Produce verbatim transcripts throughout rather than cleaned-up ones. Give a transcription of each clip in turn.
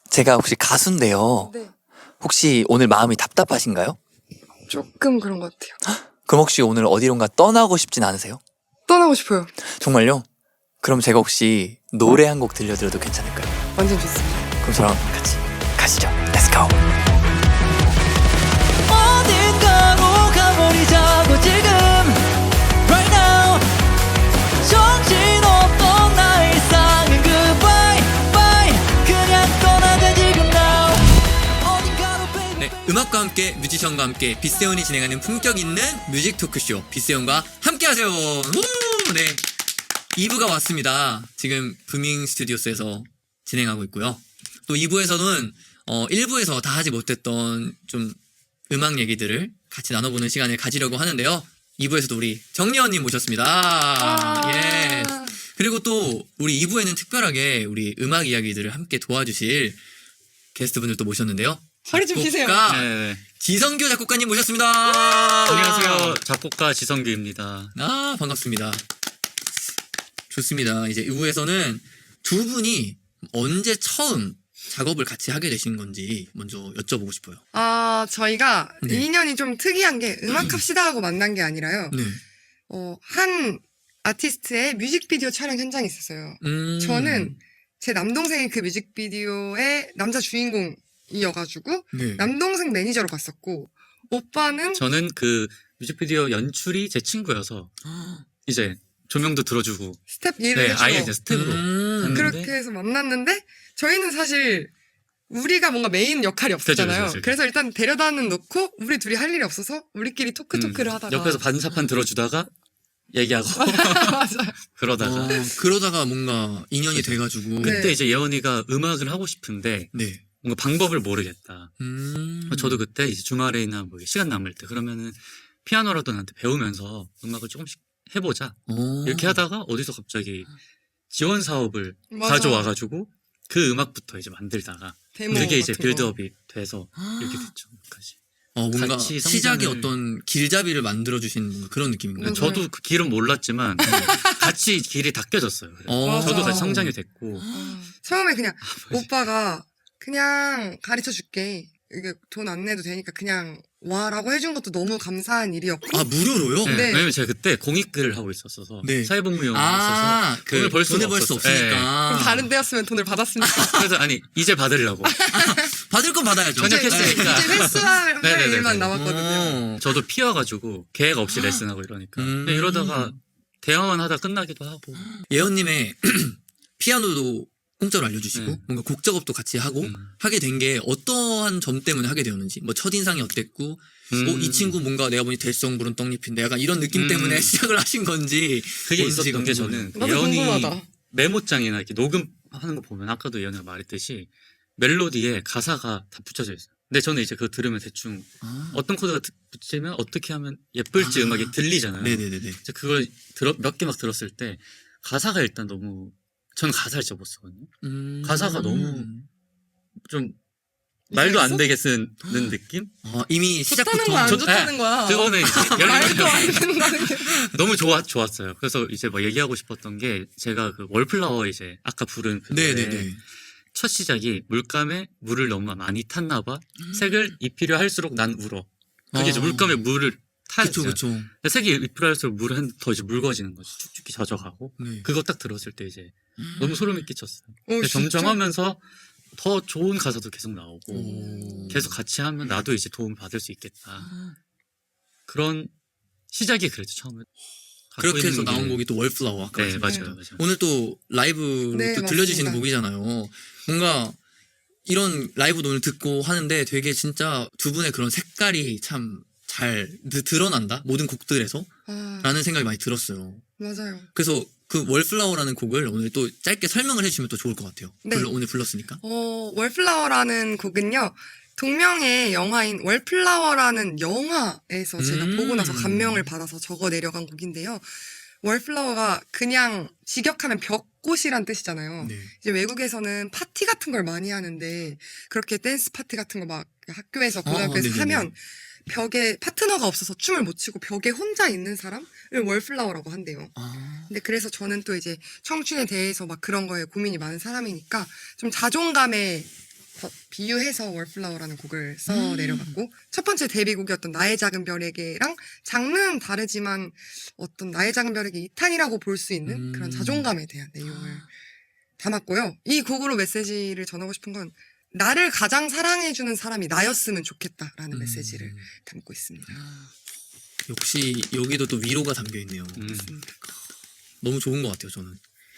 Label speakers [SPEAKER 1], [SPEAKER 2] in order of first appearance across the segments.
[SPEAKER 1] 제가 혹시 가수인데요.
[SPEAKER 2] 네.
[SPEAKER 1] 혹시 오늘 마음이 답답하신가요?
[SPEAKER 2] 조금 그런 것 같아요.
[SPEAKER 1] 그럼 혹시 오늘 어디론가 떠나고 싶진 않으세요?
[SPEAKER 2] 떠나고 싶어요.
[SPEAKER 1] 정말요? 그럼 제가 혹시 노래 한 곡 들려드려도 괜찮을까요?
[SPEAKER 2] 완전 좋습니다.
[SPEAKER 1] 그럼 저랑 같이 가시죠. Let's go.
[SPEAKER 3] 어딘가로 가버리자고 지금 Right now 정신없던 나의 일상은 Goodbye bye 그냥 떠나자 지금 now 어딘가로 baby
[SPEAKER 4] 네, 음악과 함께 뮤지션과 함께 빗세온이 진행하는 품격 있는 뮤직 토크쇼 빗세온과 함께하세요. 우! 네, 이 부가 왔습니다. 지금 부밍 스튜디오스에서 진행하고 있고요. 또 이 부에서는 어, 일 부에서 다 하지 못했던 좀 음악 얘기들을 같이 나눠보는 시간을 가지려고 하는데요. 이 부에서도 우리 정리언님 모셨습니다.
[SPEAKER 2] 아~
[SPEAKER 4] 예. 그리고 또 우리 이 부에는 특별하게 우리 음악 이야기들을 함께 도와주실 게스트분들 또 모셨는데요.
[SPEAKER 2] 소리 좀 피세요.
[SPEAKER 4] 작곡가
[SPEAKER 5] 네.
[SPEAKER 4] 지성규 작곡가님 모셨습니다.
[SPEAKER 5] 안녕하세요. 작곡가 지성규입니다.
[SPEAKER 4] 아, 반갑습니다. 좋습니다. 이제 이 부에서는 두 분이 언제 처음 작업을 같이 하게 되신 건지 먼저 여쭤보고 싶어요.
[SPEAKER 2] 아, 저희가
[SPEAKER 4] 네.
[SPEAKER 2] 인연이 좀 특이한 게 음악합시다 하고 만난 게 아니라요.
[SPEAKER 4] 네.
[SPEAKER 2] 어, 한 아티스트의 뮤직비디오 촬영 현장이 있었어요.
[SPEAKER 4] 음.
[SPEAKER 2] 저는 제 남동생이 그 뮤직비디오의 남자 주인공이어가지고
[SPEAKER 4] 네.
[SPEAKER 2] 남동생 매니저로 갔었고 오빠는
[SPEAKER 5] 저는 그 뮤직비디오 연출이 제 친구여서 이제 조명도 들어주고
[SPEAKER 2] 스텝 일을
[SPEAKER 5] 네,
[SPEAKER 2] 해주고
[SPEAKER 5] 아예 이제 스텝으로
[SPEAKER 4] 음.
[SPEAKER 5] 갔는데
[SPEAKER 2] 그렇게 해서 만났는데 저희는 사실 우리가 뭔가 메인 역할이 없었잖아요.
[SPEAKER 5] 그죠, 그죠, 그죠.
[SPEAKER 2] 그래서 일단 데려다는 놓고 우리 둘이 할 일이 없어서 우리끼리 토크토크를
[SPEAKER 5] 음,
[SPEAKER 2] 하다가
[SPEAKER 5] 옆에서 반사판 들어주다가 얘기하고
[SPEAKER 2] 맞아요.
[SPEAKER 5] 그러다가
[SPEAKER 4] 어, 그러다가 뭔가 인연이 돼가지고.
[SPEAKER 2] 네.
[SPEAKER 5] 그때 이제 예원이가 음악을 하고 싶은데
[SPEAKER 4] 네.
[SPEAKER 5] 뭔가 방법을 모르겠다.
[SPEAKER 4] 음.
[SPEAKER 5] 저도 그때 이제 주말에나 뭐 시간 남을 때 그러면은 피아노라도 나한테 배우면서 음악을 조금씩 해보자.
[SPEAKER 4] 오.
[SPEAKER 5] 이렇게 하다가 어디서 갑자기 지원 사업을
[SPEAKER 2] 맞아.
[SPEAKER 5] 가져와가지고 그 음악부터 이제 만들다가
[SPEAKER 2] 데모
[SPEAKER 5] 그게 이제
[SPEAKER 2] 같은 거.
[SPEAKER 5] 빌드업이 돼서 이렇게 됐죠. 까지.
[SPEAKER 4] 어, 뭔가
[SPEAKER 5] 같이 성장을-
[SPEAKER 4] 시작이 어떤 길잡이를 만들어주신 뭔가 그런 느낌인가요?
[SPEAKER 2] 맞아요.
[SPEAKER 5] 저도 그 길은 몰랐지만 같이 길이 닦여졌어요. 그래서
[SPEAKER 4] 어.
[SPEAKER 5] 저도
[SPEAKER 2] 맞아.
[SPEAKER 5] 같이 성장이 됐고
[SPEAKER 2] 아, 처음에 그냥
[SPEAKER 5] 뭐지?
[SPEAKER 2] 오빠가 그냥 가르쳐 줄게. 이게 돈 안 내도 되니까 그냥 와라고 해준 것도 너무 감사한 일이었고
[SPEAKER 4] 아, 무료로요?
[SPEAKER 5] 네,
[SPEAKER 2] 네.
[SPEAKER 5] 왜냐면 제가 그때 공익글을 하고 있었어서
[SPEAKER 4] 네.
[SPEAKER 5] 사회복무용이
[SPEAKER 4] 아,
[SPEAKER 5] 있어서
[SPEAKER 4] 그
[SPEAKER 5] 돈을 벌 수가
[SPEAKER 4] 돈을 벌 수
[SPEAKER 5] 없었어요. 네.
[SPEAKER 4] 없으니까.
[SPEAKER 2] 그럼 다른 데였으면 돈을 받았습니까?
[SPEAKER 5] 그래서 아니 이제 받으려고
[SPEAKER 4] 받을 건 받아야죠.
[SPEAKER 5] 전혀
[SPEAKER 2] 이제,
[SPEAKER 5] 했으니까.
[SPEAKER 2] 이제 회수할
[SPEAKER 5] 네네네네.
[SPEAKER 2] 일만 남았거든요.
[SPEAKER 4] 어.
[SPEAKER 5] 저도 피어가지고 계획 없이 레슨하고 이러니까
[SPEAKER 4] 음.
[SPEAKER 5] 그냥 이러다가 대화만 하다 끝나기도 하고
[SPEAKER 4] 예언님의 피아노도 공짜로 알려주시고
[SPEAKER 5] 네.
[SPEAKER 4] 뭔가 곡 작업도 같이 하고
[SPEAKER 5] 음.
[SPEAKER 4] 하게 된 게 어떠한 점 때문에 하게 되었는지 뭐 첫인상이 어땠고
[SPEAKER 5] 음.
[SPEAKER 4] 어, 이 친구 뭔가 내가 보니 될성 부른 떡잎인데 약간 이런 느낌
[SPEAKER 5] 음.
[SPEAKER 4] 때문에 시작을 하신 건지
[SPEAKER 5] 그게
[SPEAKER 4] 뭔지가
[SPEAKER 5] 있었던 게
[SPEAKER 4] 궁금해요.
[SPEAKER 5] 저는
[SPEAKER 2] 나도
[SPEAKER 5] 예언이
[SPEAKER 2] 궁금하다.
[SPEAKER 5] 메모장이나 이렇게 녹음하는 거 보면 아까도 예언이가 말했듯이 멜로디에 가사가 다 붙여져 있어요. 근데 저는 이제 그거 들으면 대충
[SPEAKER 4] 아.
[SPEAKER 5] 어떤 코드가 드- 붙이면 어떻게 하면 예쁠지
[SPEAKER 4] 아.
[SPEAKER 5] 음악이 들리잖아요.
[SPEAKER 4] 네네네네.
[SPEAKER 5] 이제 그걸 들어, 몇 개 막 들었을 때 가사가 일단 너무 저는 가사를 진짜 못 쓰거든요.
[SPEAKER 4] 음.
[SPEAKER 5] 가사가 너무 좀 말도 안 되게 쓰는 느낌?
[SPEAKER 4] 아, 이미
[SPEAKER 2] 좋다는
[SPEAKER 4] 시작부터
[SPEAKER 2] 거야, 안
[SPEAKER 5] 저-
[SPEAKER 2] 좋다는
[SPEAKER 5] 네.
[SPEAKER 2] 거야.
[SPEAKER 5] 그거는 이제 예를
[SPEAKER 2] 말도
[SPEAKER 5] 들면
[SPEAKER 2] 안 된다는 게.
[SPEAKER 5] 너무 좋았, 좋았어요. 그래서 이제 뭐 얘기하고 싶었던 게 제가 그 월플라워 이제 아까 부른 그 노래
[SPEAKER 4] 네네네.
[SPEAKER 5] 첫 시작이 물감에 물을 너무 많이 탔나 봐. 색을 입히려 할수록 난 울어. 그게 이제
[SPEAKER 4] 아.
[SPEAKER 5] 물감에 물을 타죠.
[SPEAKER 4] 그쵸 그쵸.
[SPEAKER 5] 색이 입히려 할수록 물은 더 이제 묽어지는 거지. 쭉쭉이 젖어가고.
[SPEAKER 4] 네.
[SPEAKER 5] 그거 딱 들었을 때 이제 너무 소름이 끼쳤어요.
[SPEAKER 2] 오,
[SPEAKER 5] 근데
[SPEAKER 2] 진짜?
[SPEAKER 5] 점점 하면서 더 좋은 가사도 계속 나오고
[SPEAKER 4] 오.
[SPEAKER 5] 계속 같이 하면 나도 이제 도움 받을 수 있겠다. 그런 시작이 그랬죠 처음에. 갖고
[SPEAKER 4] 그렇게 해서
[SPEAKER 5] 있는 게-
[SPEAKER 4] 나온 곡이 또 월플라워 아까
[SPEAKER 5] 네
[SPEAKER 4] 말씀하신
[SPEAKER 5] 맞아요
[SPEAKER 4] 거.
[SPEAKER 5] 맞아요.
[SPEAKER 4] 오늘 또 라이브로
[SPEAKER 2] 네,
[SPEAKER 4] 또 들려주시는
[SPEAKER 2] 맞습니다.
[SPEAKER 4] 곡이잖아요. 뭔가 이런 라이브도 오늘 듣고 하는데 되게 진짜 두 분의 그런 색깔이 참 잘 드러난다 모든 곡들에서
[SPEAKER 2] 아,
[SPEAKER 4] 라는 생각이 많이 들었어요.
[SPEAKER 2] 맞아요.
[SPEAKER 4] 그래서 그 월플라워라는 곡을 오늘 또 짧게 설명을 해주시면 또 좋을 것 같아요.
[SPEAKER 2] 네.
[SPEAKER 4] 불러- 오늘 불렀으니까.
[SPEAKER 2] 어, 월플라워라는 곡은요. 동명의 영화인 월플라워라는 영화에서 제가
[SPEAKER 4] 음.
[SPEAKER 2] 보고 나서 감명을 받아서 적어 내려간 곡인데요. 월플라워가 그냥 직역하면 벽꽃이란 뜻이잖아요.
[SPEAKER 4] 네.
[SPEAKER 2] 이제 외국에서는 파티 같은 걸 많이 하는데 그렇게 댄스 파티 같은 거 막 학교에서
[SPEAKER 4] 아,
[SPEAKER 2] 고등학교에서
[SPEAKER 4] 네네네.
[SPEAKER 2] 하면 벽에 파트너가 없어서 춤을 못 추고 벽에 혼자 있는 사람을 월플라워라고 한대요.
[SPEAKER 4] 아.
[SPEAKER 2] 근데 그래서 저는 또 이제 청춘에 대해서 막 그런 거에 고민이 많은 사람이니까 좀 자존감에 바- 비유해서 월플라워라는 곡을 써
[SPEAKER 4] 음.
[SPEAKER 2] 내려갔고 첫 번째 데뷔곡이었던 나의 작은 별에게랑 장르는 다르지만 어떤 나의 작은 별에게 이 탄이라고 볼 수 있는
[SPEAKER 4] 음.
[SPEAKER 2] 그런 자존감에 대한 내용을 담았고요. 이 곡으로 메시지를 전하고 싶은 건 나를 가장 사랑해주는 사람이 나였으면 좋겠다라는
[SPEAKER 4] 음.
[SPEAKER 2] 메시지를 담고 있습니다.
[SPEAKER 4] 역시 여기도 또 위로가 담겨 있네요.
[SPEAKER 5] 음.
[SPEAKER 4] 너무 좋은 것 같아요, 저는.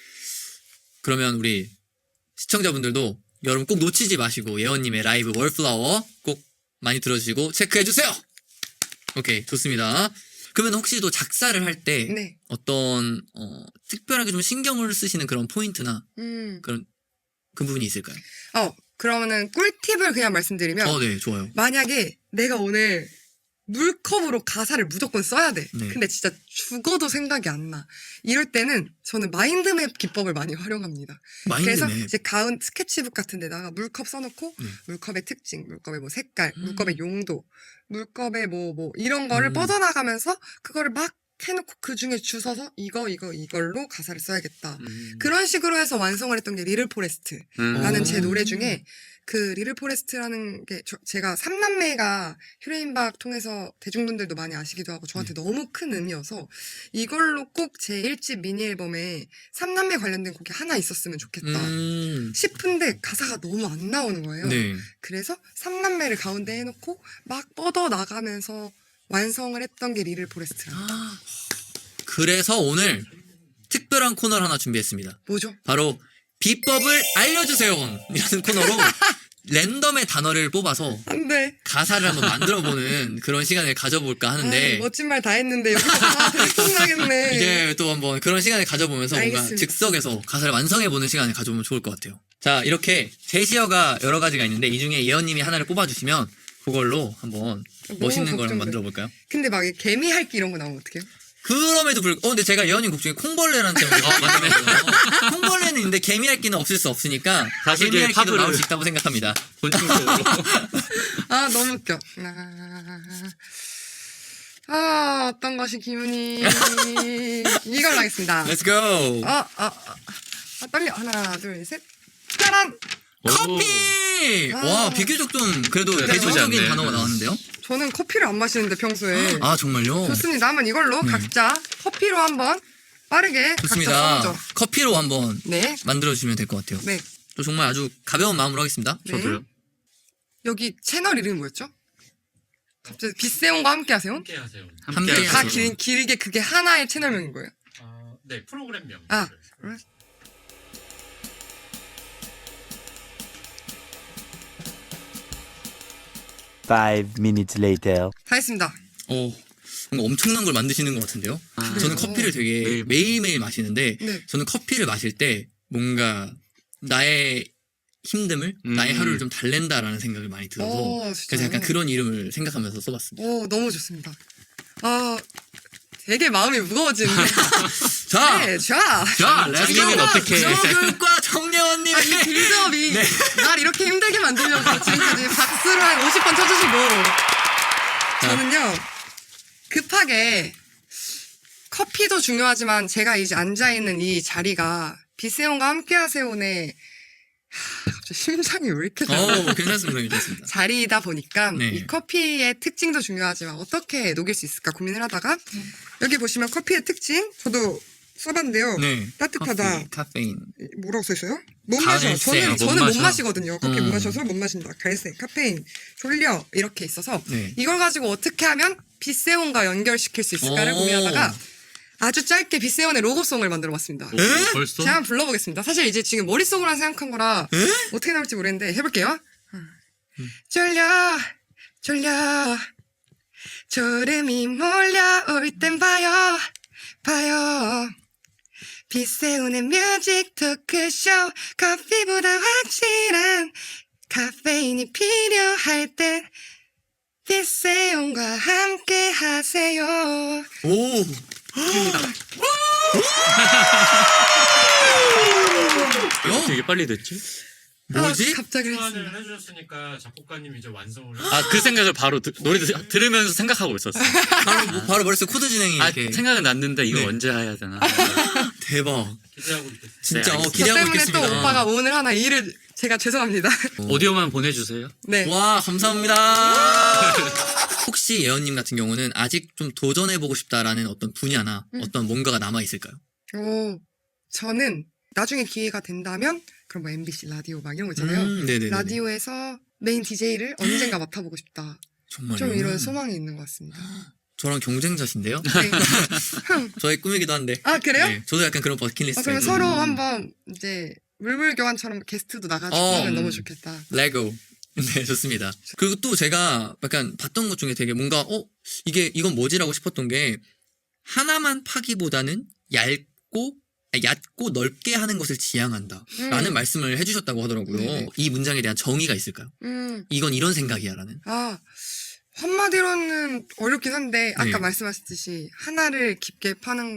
[SPEAKER 4] 그러면 우리 시청자분들도 여러분 꼭 놓치지 마시고 예원님의 라이브 월플라워 꼭 많이 들어주시고 체크해주세요! 오케이, 좋습니다. 그러면 혹시 또 작사를 할 때
[SPEAKER 2] 네.
[SPEAKER 4] 어떤 어, 특별하게 좀 신경을 쓰시는 그런 포인트나
[SPEAKER 2] 음.
[SPEAKER 4] 그런 그 부분이 있을까요?
[SPEAKER 2] 어, 그러면은 꿀팁을 그냥 말씀드리면
[SPEAKER 4] 어, 네, 좋아요.
[SPEAKER 2] 만약에 내가 오늘 물컵으로 가사를 무조건 써야 돼.
[SPEAKER 4] 네.
[SPEAKER 2] 근데 진짜 죽어도 생각이 안 나. 이럴 때는 저는 마인드맵 기법을 많이 활용합니다. 그래서
[SPEAKER 4] 마인드맵.
[SPEAKER 2] 이제 가운 스케치북 같은 데다가 물컵 써놓고
[SPEAKER 4] 네.
[SPEAKER 2] 물컵의 특징, 물컵의 뭐 색깔,
[SPEAKER 4] 음.
[SPEAKER 2] 물컵의 용도, 물컵의 뭐 뭐 이런 거를
[SPEAKER 4] 음.
[SPEAKER 2] 뻗어나가면서 그거를 막 해놓고 그 중에 주워서 이거 이거 이걸로 가사를 써야겠다.
[SPEAKER 5] 음.
[SPEAKER 2] 그런 식으로 해서 완성을 했던 게 리를 포레스트라는
[SPEAKER 5] 음.
[SPEAKER 2] 제 노래 중에 그 리를 포레스트라는 게 저- 제가 삼남매가 휴레인박 통해서 대중분들도 많이 아시기도 하고 저한테 너무 큰 의미여서 이걸로 꼭 제 일 집 미니 앨범에 삼남매 관련된 곡이 하나 있었으면 좋겠다
[SPEAKER 4] 음.
[SPEAKER 2] 싶은데 가사가 너무 안 나오는 거예요.
[SPEAKER 4] 네.
[SPEAKER 2] 그래서 삼남매를 가운데 해놓고 막 뻗어 나가면서 완성을 했던 게 리를 포레스트라.
[SPEAKER 4] 아, 그래서 오늘 특별한 코너를 하나 준비했습니다.
[SPEAKER 2] 뭐죠?
[SPEAKER 4] 바로 비법을 알려주세요! 이라는 코너로 랜덤의 단어를 뽑아서
[SPEAKER 2] 안 돼.
[SPEAKER 4] 가사를 한번 만들어보는 그런 시간을 가져볼까 하는데
[SPEAKER 2] 아, 멋진 말 다 했는데 여기서 다 들통나겠네.
[SPEAKER 4] 이제 또 한번 그런 시간을 가져보면서 뭔가
[SPEAKER 2] 알겠습니다.
[SPEAKER 4] 즉석에서 가사를 완성해보는 시간을 가져보면 좋을 것 같아요. 자, 이렇게 제시어가 여러 가지가 있는데 이 중에 예언님이 하나를 뽑아주시면 그걸로 한번 멋있는 걸 한번
[SPEAKER 2] 걱정돼.
[SPEAKER 4] 만들어볼까요?
[SPEAKER 2] 근데 막 개미 할기 이런 거 나오면 어떡해요?
[SPEAKER 4] 그럼에도 불구하고 어 근데 제가 예언님 곡 중에 콩벌레라는 제목이 있거든요. 콩벌레는 있는데 개미핥기는 없을 수 없으니까
[SPEAKER 5] 다시 이제
[SPEAKER 4] 개미핥기도
[SPEAKER 5] 팝을-
[SPEAKER 4] 나올 수 있다고 생각합니다.
[SPEAKER 5] 본능적으로.
[SPEAKER 2] 아 너무 웃겨. 아, 아 어떤 것이 기분이 이걸로 하겠습니다.
[SPEAKER 4] Let's go.
[SPEAKER 2] 아, 아, 아, 아 떨려. 하나 둘 셋. 짜란.
[SPEAKER 4] 커피.
[SPEAKER 2] 아.
[SPEAKER 4] 와 비교적 좀 그래도
[SPEAKER 5] 네,
[SPEAKER 4] 대중적인
[SPEAKER 5] 나쁘지 않네.
[SPEAKER 4] 단어가 나왔는데요.
[SPEAKER 2] 저는 커피를 안 마시는데 평소에.
[SPEAKER 4] 아 정말요?
[SPEAKER 2] 좋습니다. 한번 이걸로
[SPEAKER 4] 네.
[SPEAKER 2] 각자 커피로 한번 빠르게 각자
[SPEAKER 4] 좋습니다.
[SPEAKER 2] 써보죠.
[SPEAKER 4] 커피로 한번
[SPEAKER 2] 네,
[SPEAKER 4] 만들어 주시면 될 것 같아요.
[SPEAKER 2] 네,
[SPEAKER 4] 또 정말 아주 가벼운 마음으로 하겠습니다.
[SPEAKER 2] 네.
[SPEAKER 5] 저도요.
[SPEAKER 2] 여기 채널 이름이 뭐였죠? 갑자기 빗세온과 함께하세요?
[SPEAKER 6] 함께 하세요.
[SPEAKER 4] 함께
[SPEAKER 5] 함께
[SPEAKER 2] 다
[SPEAKER 4] 하세요.
[SPEAKER 2] 길, 길게 그게 하나의 채널명인 거예요?
[SPEAKER 6] 어, 네, 프로그램명.
[SPEAKER 2] 아, 그래?
[SPEAKER 7] Five minutes later.
[SPEAKER 2] 다 했습니다.
[SPEAKER 4] 어, 뭔가 엄청난 걸 만드시는 것 같은데요.
[SPEAKER 5] 아,
[SPEAKER 4] 저는
[SPEAKER 2] 그래요?
[SPEAKER 4] 커피를 되게
[SPEAKER 5] 매일-
[SPEAKER 4] 매일매일 마시는데
[SPEAKER 2] 네.
[SPEAKER 4] 저는 커피를 마실 때 뭔가 나의 힘듦을
[SPEAKER 5] 음.
[SPEAKER 4] 나의 하루를 좀 달랜다라는 생각을 많이 들어서
[SPEAKER 2] 오, 진짜요?
[SPEAKER 4] 그래서 약간 그런 이름을 생각하면서 써봤습니다.
[SPEAKER 2] 오, 너무 좋습니다. 아, 되게 마음이 무거워지는데.
[SPEAKER 4] 자,
[SPEAKER 2] 네, 자.
[SPEAKER 4] 자, 렛츠
[SPEAKER 5] 정리는
[SPEAKER 4] 고!
[SPEAKER 5] 어떻게-
[SPEAKER 4] 정글과 정예원님의
[SPEAKER 2] 아, 이 빌드업이
[SPEAKER 4] 네.
[SPEAKER 2] 날 이렇게 힘들게 만들려고 지금까지 박수를 한 오십 번 쳐주시고. 저는요, 급하게 커피도 중요하지만 제가 이제 앉아있는 이 자리가 비세온과 함께하세요네 하, 갑자기 심장이 왜 이렇게 잘
[SPEAKER 4] 어, 괜찮습니다. 괜찮습니다.
[SPEAKER 2] 자리이다 보니까
[SPEAKER 4] 네.
[SPEAKER 2] 이 커피의 특징도 중요하지만 어떻게 녹일 수 있을까 고민을 하다가 여기 보시면 커피의 특징 저도 써봤는데요.
[SPEAKER 4] 네.
[SPEAKER 2] 따뜻하다.
[SPEAKER 4] 커피, 카페인.
[SPEAKER 2] 뭐라고 써있어요? 못
[SPEAKER 4] 갈색,
[SPEAKER 2] 마셔. 저는
[SPEAKER 5] 못
[SPEAKER 2] 저는 못
[SPEAKER 5] 마셔.
[SPEAKER 2] 마시거든요. 커피
[SPEAKER 4] 음.
[SPEAKER 2] 못 마셔서 못 마신다. 갈색, 카페인, 졸려 이렇게 있어서
[SPEAKER 4] 네.
[SPEAKER 2] 이걸 가지고 어떻게 하면 빗세온과 연결시킬 수 있을까를
[SPEAKER 4] 오.
[SPEAKER 2] 고민하다가 아주 짧게 빗세온의 로고송을 만들어봤습니다.
[SPEAKER 5] 오, 벌써?
[SPEAKER 2] 제가 한번 불러보겠습니다. 사실 이제 지금 머릿속으로 생각한 거라 어떻게 나올지 모르겠는데 해볼게요. 졸려 졸려 졸음이 몰려올 땐 봐요 봐요 빗세운의 뮤직 토크쇼 커피보다 확실한 카페인이 필요할 땐 빗세운과 함께 하세요.
[SPEAKER 4] 오! 어?
[SPEAKER 5] 되게 빨리 됐지?
[SPEAKER 4] 뭐지?
[SPEAKER 2] 아, 갑자기
[SPEAKER 6] 소환을
[SPEAKER 2] 했습니다.
[SPEAKER 6] 해주셨으니까 작곡가님 이제 완성을.
[SPEAKER 5] 아, 그 생각을 바로 드- 노래 들- 들으면서 생각하고 있었어.
[SPEAKER 4] 바로, 바로 머릿속 코드 진행이
[SPEAKER 5] 아,
[SPEAKER 4] 이렇게.
[SPEAKER 5] 생각은 났는데 이거
[SPEAKER 4] 네.
[SPEAKER 5] 언제 해야 되나.
[SPEAKER 4] 대박.
[SPEAKER 6] 기대하고 있겠습니다.
[SPEAKER 4] 진짜
[SPEAKER 5] 네,
[SPEAKER 4] 어,
[SPEAKER 5] 알겠습니다.
[SPEAKER 2] 저
[SPEAKER 4] 기대하고
[SPEAKER 2] 때문에
[SPEAKER 4] 있겠습니다.
[SPEAKER 2] 또 오빠가 오늘 하나 일을 제가 죄송합니다.
[SPEAKER 5] 오디오만 보내주세요.
[SPEAKER 2] 네.
[SPEAKER 4] 와, 감사합니다. 혹시 예언님 같은 경우는 아직 좀 도전해보고 싶다라는 어떤 분야나
[SPEAKER 2] 음.
[SPEAKER 4] 어떤 뭔가가 남아있을까요?
[SPEAKER 2] 오, 저는 나중에 기회가 된다면 그럼 뭐 엠비씨 라디오 막 이런 거 있잖아요.
[SPEAKER 4] 음, 네네네.
[SPEAKER 2] 라디오에서 메인 디제이를 언젠가 맡아보고 싶다.
[SPEAKER 4] 정말요?
[SPEAKER 2] 좀 이런 소망이 있는 것 같습니다.
[SPEAKER 4] 저랑 경쟁자신데요?
[SPEAKER 2] 네.
[SPEAKER 4] 저의 꿈이기도 한데.
[SPEAKER 2] 아 그래요?
[SPEAKER 4] 네, 저도 약간 그런 버킷리스트.
[SPEAKER 2] 아, 그러면 서로 한번 이제 물물교환처럼 게스트도 나가지고
[SPEAKER 4] 어,
[SPEAKER 2] 하면
[SPEAKER 4] 음.
[SPEAKER 2] 너무 좋겠다.
[SPEAKER 4] 레고. 네, 좋습니다. 그리고 또 제가 약간 봤던 것 중에 되게 뭔가, 어, 이게, 이건 뭐지라고 싶었던 게, 하나만 파기보다는 얇고, 아니, 얕고 넓게 하는 것을 지향한다.
[SPEAKER 2] 음.
[SPEAKER 4] 라는 말씀을 해주셨다고 하더라고요.
[SPEAKER 2] 네네.
[SPEAKER 4] 이 문장에 대한 정의가 있을까요?
[SPEAKER 2] 음,
[SPEAKER 4] 이건 이런 생각이야. 라는.
[SPEAKER 2] 아 한마디로는 어렵긴 한데 아까
[SPEAKER 4] 네.
[SPEAKER 2] 말씀하셨듯이 하나를 깊게 파는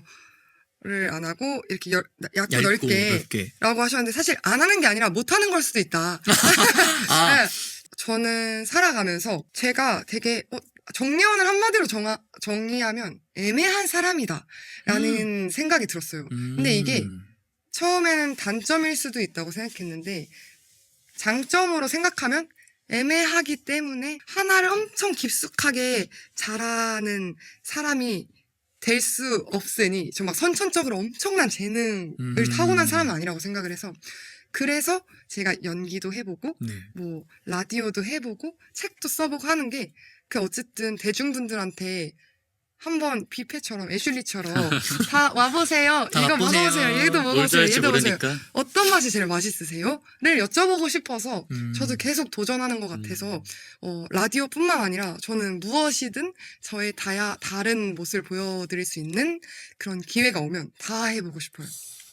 [SPEAKER 2] 거를 안 하고 이렇게 열, 얇고,
[SPEAKER 4] 얇고
[SPEAKER 2] 넓게
[SPEAKER 4] 넓게.
[SPEAKER 2] 라고 하셨는데 사실 안 하는 게 아니라 못 하는 걸 수도 있다.
[SPEAKER 4] 아,
[SPEAKER 2] 네. 저는 살아가면서 제가 되게 어, 정리원을 한마디로 정하, 정의하면 애매한 사람이다 라는 생각이 들었어요.
[SPEAKER 4] 음.
[SPEAKER 2] 근데 이게 처음에는 단점일 수도 있다고 생각했는데 장점으로 생각하면 애매하기 때문에 하나를 엄청 깊숙하게 잘하는 사람이 될 수 없으니 저 막 선천적으로 엄청난 재능을
[SPEAKER 4] 음.
[SPEAKER 2] 타고난 사람은 아니라고 생각을 해서 그래서 제가 연기도 해보고
[SPEAKER 4] 네.
[SPEAKER 2] 뭐 라디오도 해보고 책도 써보고 하는 게 그 어쨌든 대중분들한테 한번 뷔페처럼 애슐리처럼 다 와보세요.
[SPEAKER 4] 다
[SPEAKER 2] 이거
[SPEAKER 4] 맛보세요.
[SPEAKER 2] 먹어보세요. 얘도
[SPEAKER 5] 뭘
[SPEAKER 2] 먹어보세요.
[SPEAKER 5] 좋아할지
[SPEAKER 2] 얘도 먹어보세요.
[SPEAKER 5] 모르니까.
[SPEAKER 2] 어떤 맛이 제일 맛있으세요? 를 여쭤보고 싶어서
[SPEAKER 4] 음.
[SPEAKER 2] 저도 계속 도전하는 것 같아서 어, 라디오뿐만 아니라 저는 무엇이든 저의 다야, 다른 모습을 보여드릴 수 있는 그런 기회가 오면 다 해보고 싶어요.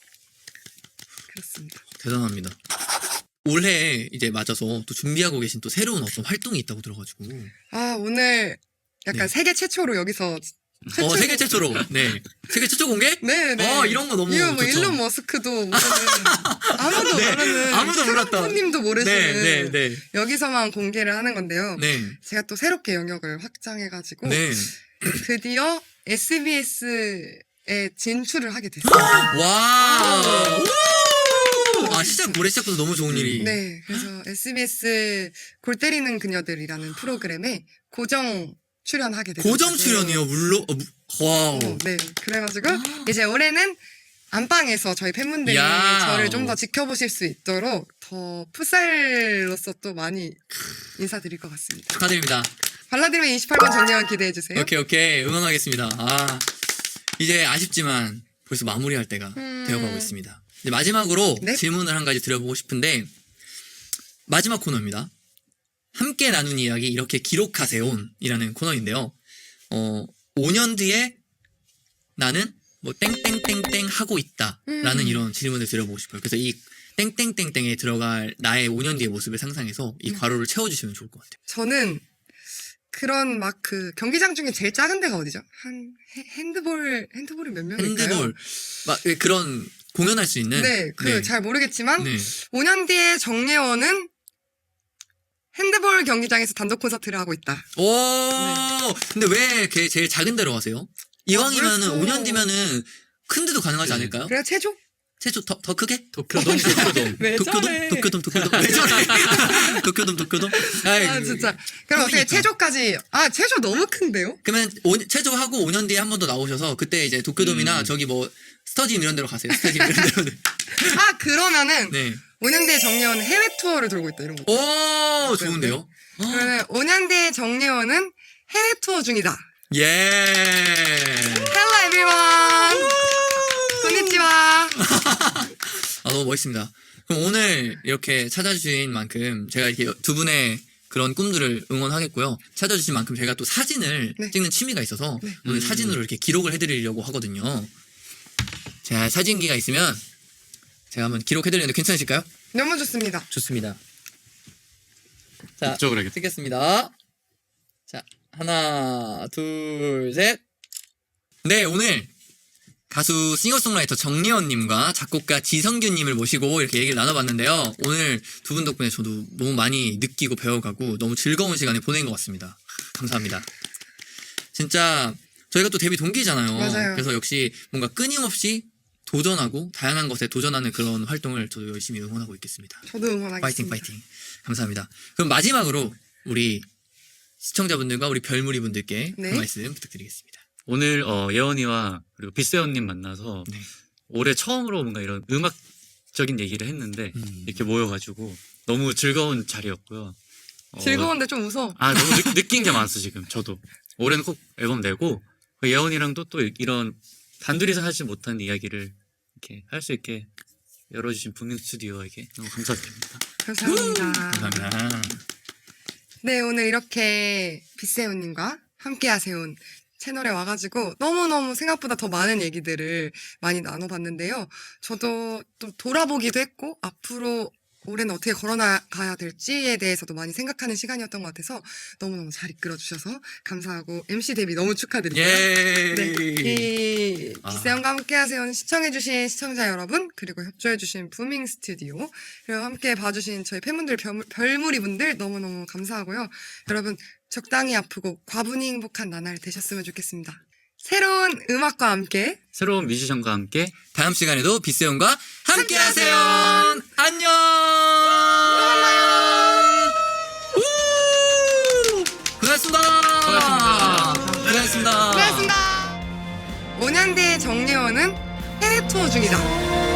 [SPEAKER 2] 그렇습니다.
[SPEAKER 4] 대단합니다. 올해 이제 맞아서 또 준비하고 계신 또 새로운 어떤 활동이 있다고 들어가지고.
[SPEAKER 2] 아 오늘 약간
[SPEAKER 4] 네.
[SPEAKER 2] 세계 최초로 여기서
[SPEAKER 4] 어, 세계 최초로. 네. 세계 최초 공개?
[SPEAKER 2] 네네.
[SPEAKER 4] 어, 이런 거 너무
[SPEAKER 2] 이거 뭐
[SPEAKER 4] 좋죠.
[SPEAKER 2] 일론 머스크도 모르는 아무도
[SPEAKER 4] 네,
[SPEAKER 2] 모르는
[SPEAKER 4] 아무도 몰랐던.
[SPEAKER 2] 님도 모르시는
[SPEAKER 4] 네, 네, 네.
[SPEAKER 2] 여기서만 공개를 하는 건데요.
[SPEAKER 4] 네.
[SPEAKER 2] 제가 또 새롭게 영역을 확장해가지고
[SPEAKER 4] 네.
[SPEAKER 2] 드디어 에스비에스에 진출을 하게 됐어요.
[SPEAKER 4] 와. 우! 아, 시작, 올해 시작부터 너무 좋은 일이.
[SPEAKER 2] 네, 그래서 에스비에스 골 때리는 그녀들이라는 프로그램에 고정 출연하게 됐어요.
[SPEAKER 4] 고정 출연이요, 물론. 어, 무- 와우.
[SPEAKER 2] 어, 네, 그래가지고 이제 올해는 안방에서 저희 팬분들이
[SPEAKER 4] 야.
[SPEAKER 2] 저를 좀 더 지켜보실 수 있도록 더 풋살로서 또 많이 인사드릴 것 같습니다.
[SPEAKER 4] 축하드립니다.
[SPEAKER 2] 발라드림의 이십팔 번 정리원 기대해주세요.
[SPEAKER 4] 오케이, 오케이. 응원하겠습니다. 아, 이제 아쉽지만 벌써 마무리할 때가
[SPEAKER 2] 음.
[SPEAKER 4] 되어가고 있습니다. 이제 마지막으로
[SPEAKER 2] 네.
[SPEAKER 4] 질문을 한 가지 드려보고 싶은데, 마지막 코너입니다. 함께 나눈 이야기 이렇게 기록하세요이라는 코너인데요. 어, 오 년 뒤에 나는 뭐 땡땡땡땡 하고 있다라는
[SPEAKER 2] 음.
[SPEAKER 4] 이런 질문을 드려보고 싶어요. 그래서 이 땡땡땡땡에 들어갈 나의 오 년 뒤의 모습을 상상해서 이
[SPEAKER 2] 음.
[SPEAKER 4] 괄호를 채워주시면 좋을 것 같아요.
[SPEAKER 2] 저는 그런 막 그 경기장 중에 제일 작은 데가 어디죠? 한 헤- 핸드볼 핸드볼이 몇 명일까요?
[SPEAKER 4] 핸드볼 막 그런 공연할 수 있는
[SPEAKER 2] 네, 그 잘 모르겠지만
[SPEAKER 4] 네.
[SPEAKER 2] 오 년 뒤에 정예원은 핸드볼 경기장에서 단독 콘서트를 하고 있다.
[SPEAKER 4] 오 근데 왜 걔 제일 작은 데로 가세요? 이왕이면은
[SPEAKER 2] 벌써.
[SPEAKER 4] 오 년 뒤면은 큰 데도 가능하지
[SPEAKER 5] 네.
[SPEAKER 4] 않을까요?
[SPEAKER 2] 그래야 체조?
[SPEAKER 4] 최초 더, 더 크게?
[SPEAKER 5] 도쿄돔, 도쿄돔.
[SPEAKER 2] 왜
[SPEAKER 4] 도쿄돔?
[SPEAKER 2] 저래?
[SPEAKER 4] 도쿄돔? 도쿄돔? 왜 저래? 도쿄돔? 도쿄돔? 아이,
[SPEAKER 2] 아 진짜. 그럼 어떻게
[SPEAKER 4] 그러니까.
[SPEAKER 2] 체조까지? 아 체조 너무 큰데요?
[SPEAKER 4] 그러면 오, 체조하고 오 년 뒤에 한 번 더 나오셔서 그때 이제 도쿄돔이나
[SPEAKER 5] 음.
[SPEAKER 4] 저기 뭐 스터디움 이런 데로 가세요. 스터디움 이런 데로.
[SPEAKER 2] 아 그러면은
[SPEAKER 4] 네.
[SPEAKER 2] 오 년 뒤에 정예원은 해외 투어를 돌고 있다 이런 거.
[SPEAKER 4] 오 좋은데요?
[SPEAKER 2] 그러면 오 년 뒤에 정예원은 해외 투어 중이다.
[SPEAKER 4] 예.
[SPEAKER 2] Hello everyone. konnichiwa.
[SPEAKER 4] 아, 너무 멋있습니다. 그럼 오늘 이렇게 찾아주신 만큼 제가 이렇게 두 분의 그런 꿈들을 응원하겠고요. 찾아주신 만큼 제가 또 사진을
[SPEAKER 2] 네.
[SPEAKER 4] 찍는 취미가 있어서
[SPEAKER 2] 네.
[SPEAKER 4] 오늘
[SPEAKER 5] 음.
[SPEAKER 4] 사진으로 이렇게 기록을 해드리려고 하거든요. 자, 사진기가 있으면 제가 한번 기록해드리는데 괜찮으실까요?
[SPEAKER 2] 너무 좋습니다.
[SPEAKER 4] 좋습니다. 자,
[SPEAKER 5] 이쪽으로 해야겠다.
[SPEAKER 4] 찍겠습니다. 자, 하나, 둘, 셋. 네, 오늘 가수 싱어송라이터 정예원님과 작곡가 지성균님을 모시고 이렇게 얘기를 나눠봤는데요. 오늘 두 분 덕분에 저도 너무 많이 느끼고 배워가고 너무 즐거운 시간을 보낸 것 같습니다. 감사합니다. 진짜 저희가 또 데뷔 동기잖아요.
[SPEAKER 2] 맞아요.
[SPEAKER 4] 그래서 역시 뭔가 끊임없이 도전하고 다양한 것에 도전하는 그런 활동을 저도 열심히 응원하고 있겠습니다.
[SPEAKER 2] 저도 응원하겠습니다.
[SPEAKER 4] 파이팅 파이팅. 감사합니다. 그럼 마지막으로 우리 시청자분들과 우리 별무리 분들께
[SPEAKER 2] 네.
[SPEAKER 4] 한 말씀 부탁드리겠습니다.
[SPEAKER 5] 오늘 어, 예원이와 그리고 빗세원님 만나서
[SPEAKER 4] 네.
[SPEAKER 5] 올해 처음으로 뭔가 이런 음악적인 얘기를 했는데
[SPEAKER 4] 음.
[SPEAKER 5] 이렇게 모여가지고 너무 즐거운 자리였고요. 어,
[SPEAKER 2] 즐거운데 좀 웃어.
[SPEAKER 5] 아 너무 느, 느낀 게 많았어 지금 저도. 올해는 꼭 앨범 내고 그 예원이랑도 또 이런 단둘이서 하지 못한 이야기를 이렇게 할 수 있게 열어주신 부민 스튜디오에게 너무 감사드립니다.
[SPEAKER 2] 감사합니다.
[SPEAKER 4] 감사합니다.
[SPEAKER 2] 네, 오늘 이렇게 빗세훈님과 함께 하세요. 채널에 와가지고 너무너무 생각보다 더 많은 얘기들을 많이 나눠봤는데요. 저도 또 돌아보기도 했고, 앞으로 올해는 어떻게 걸어나가야 될지에 대해서도 많이 생각하는 시간이었던 것 같아서 너무너무 잘 이끌어주셔서 감사하고 엠씨 데뷔 너무 축하드리고요.
[SPEAKER 4] 예.
[SPEAKER 2] 네, 이
[SPEAKER 4] 아.
[SPEAKER 2] 빗세훈과 함께 하세요. 시청해주신 시청자 여러분, 그리고 협조해주신 부밍 스튜디오, 그리고 함께 봐주신 저희 팬분들, 별, 별무리 분들 너무너무 감사하고요. 여러분, 적당히 아프고 과분히 행복한 나날 되셨으면 좋겠습니다. 새로운 음악과 함께
[SPEAKER 5] 새로운 뮤지션과 함께
[SPEAKER 4] 다음 시간에도 빗세훈과 함께 하세요. 안녕. 우! 고생하셨습니다.
[SPEAKER 5] 고생하셨습니다.
[SPEAKER 4] 고생하셨습니다.
[SPEAKER 2] 고맙습니다. 오 년 뒤의 정예원은 해외 투어 중이다.